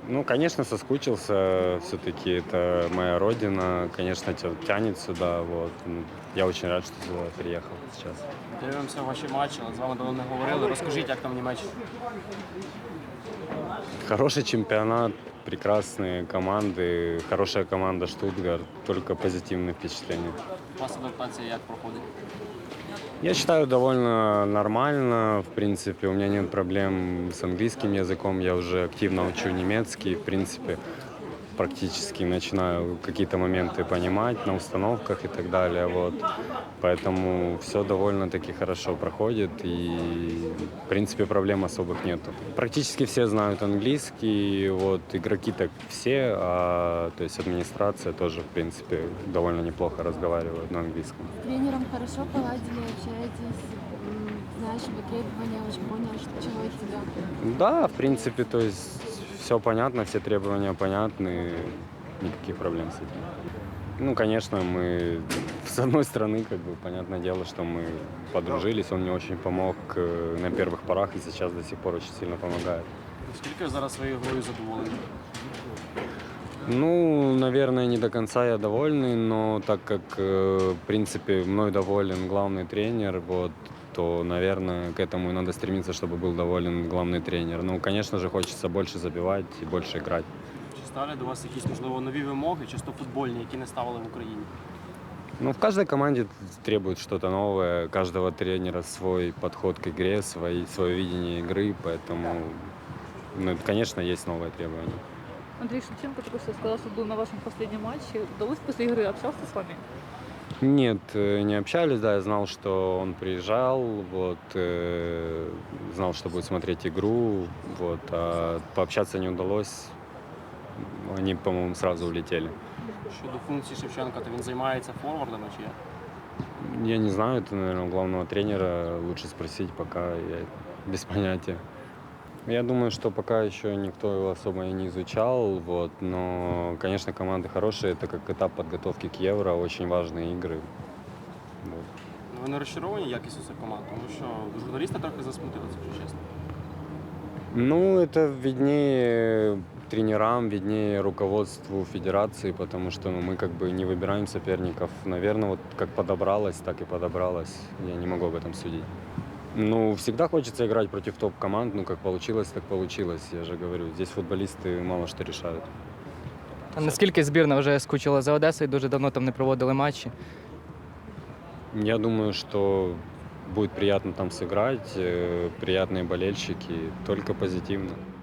Ну, конечно, соскучился. Все-таки это моя родина. Конечно, тянет сюда. Вот. Я очень рад, что сюда приехал сейчас. Дивимося ваші матчі, але з вами давно не говорили. Розкажіть, як там в Німеччині? Хороший чемпионат, прекрасные команды, хорошая команда Штутгарт. Только позитивные впечатления. У вас адаптація як проходить? Я считаю, довольно нормально. В принципе, у меня нет проблем с английским языком. Я уже активно учу немецкий. В принципе, практически начинаю какие-то моменты понимать на установках и так далее. Вот. Поэтому все довольно-таки хорошо проходит. И, в принципе, проблем особых нету. Практически все знают английский. Вот. Игроки так все. То есть администрация тоже, в принципе, довольно неплохо разговаривает на английском. С тренером хорошо поладили, общаетесь, знаешь его требования, уже понял, чего от тебя. Да, в принципе, то есть все понятно, все требования понятны, никаких проблем с этим. Ну, конечно, мы с одной стороны, как бы, понятное дело, что мы подружились, он мне очень помог на первых порах и сейчас до сих пор очень сильно помогает. Скільки ви зараз своєю грою задоволені? Ну, наверное, не до конца я довольный, но так как, в принципе, мной доволен главный тренер, вот, то, наверное, к этому и надо стремиться, чтобы был доволен главный тренер. Ну, конечно же, хочется больше забивать и больше играть. Чи ставлять до вас якісь, можливо, нові вимоги, чисто футбольні, які не ставили в Україні? Ну, в каждой команде требует что-то новое, каждого тренера свой подход к игре, свое видение игры, поэтому, ну, конечно, есть новые требования. Андрей Шевченко только что сказал, что был на вашем последнем матче. Удалось после игры общался с вами? Нет, не общались, да, я знал, что он приезжал, вот, знал, что будет смотреть игру, вот, а пообщаться не удалось, они, по-моему, сразу улетели. Щодо функції Шевченка, то він займається форвардами чи як? Я не знаю, это, наверное, у главного тренера лучше спросить, пока я без понятия. Я думаю, что пока еще никто его особо и не изучал, вот, но, конечно, команды хорошие, это как этап подготовки к Евро, очень важные игры. Вот. Ну, ви не розчаровані якістю цих команд, тому що журналісти трохи засмутили, якщо чесно. Ну, это виднее тренерам, виднее руководству федерации, потому что мы как бы не выбираем соперников. Наверное, вот как подобралось, так и подобралось. Я не могу об этом судить. Ну, всегда хочется играть против топ-команд, ну, как получилось, так получилось. Я же говорю, здесь футболисты мало что решают. А наскільки збірна вже скучила за Одесою, дуже давно там не проводили матчі? Я думаю, что будет приятно там сыграть, приятные болельщики, только позитивно.